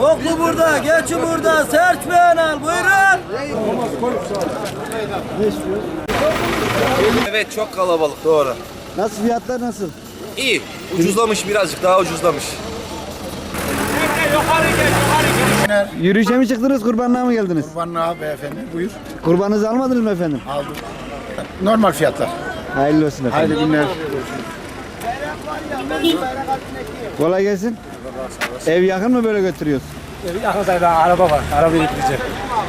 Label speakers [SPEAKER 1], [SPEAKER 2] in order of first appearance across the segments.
[SPEAKER 1] Koklu burada, geçi burada, serç beğenal, buyurun.
[SPEAKER 2] Ne istiyor?
[SPEAKER 3] Evet, çok kalabalık, doğru.
[SPEAKER 2] Nasıl fiyatlar nasıl?
[SPEAKER 3] İyi, ucuzlamış, birazcık daha ucuzlamış.
[SPEAKER 2] Yürüyüşe mi çıktınız, kurbanlığa mı geldiniz?
[SPEAKER 4] Kurbanlığa beyefendi, buyur.
[SPEAKER 2] Kurbanınızı almadınız mı efendim?
[SPEAKER 4] Aldım. Normal fiyatlar.
[SPEAKER 2] Hayırlı olsun efendim.
[SPEAKER 4] Hayırlı günler.
[SPEAKER 2] Kolay gelsin. Ev yakın mı böyle götürüyoruz?
[SPEAKER 5] Yakında araba var. Arabayı getireceğim.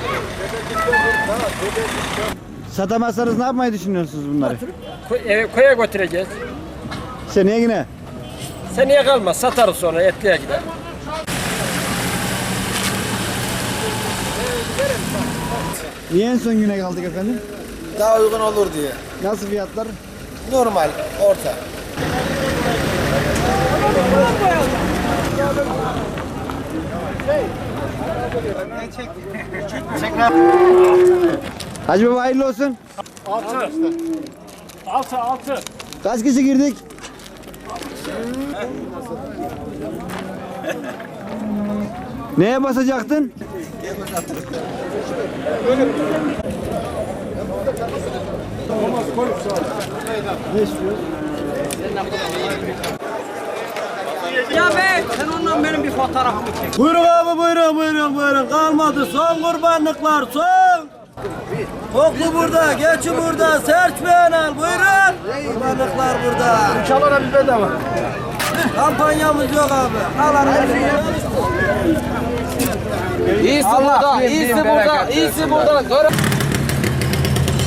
[SPEAKER 2] Satamazsanız ne yapmayı düşünüyorsunuz bunları?
[SPEAKER 5] Koya götüreceğiz.
[SPEAKER 2] Seneye yine.
[SPEAKER 5] Seneye kalmaz. Satarız sonra etliye gider.
[SPEAKER 2] Niye en son güne kaldık efendim?
[SPEAKER 1] Daha uygun olur diye.
[SPEAKER 2] Nasıl fiyatlar?
[SPEAKER 1] Normal, orta.
[SPEAKER 2] Hacı baba hayırlı olsun.
[SPEAKER 5] 6.
[SPEAKER 2] Kaç kişi girdik? Neye basacaktın? Ne istiyor?
[SPEAKER 5] Ya be sen ondan benim bir fotoğrafımı çek.
[SPEAKER 1] Buyurun abi, buyurun. Kalmadı, son kurbanlıklar, son. Koklu burada, geçi burada, serç beğenal, buyurun. Kurbanlıklar burada.
[SPEAKER 4] İnşallah biz bedava.
[SPEAKER 1] Kampanyamız yok abi. Al arkadaşlar.
[SPEAKER 5] İyisi burada, iyisi burada.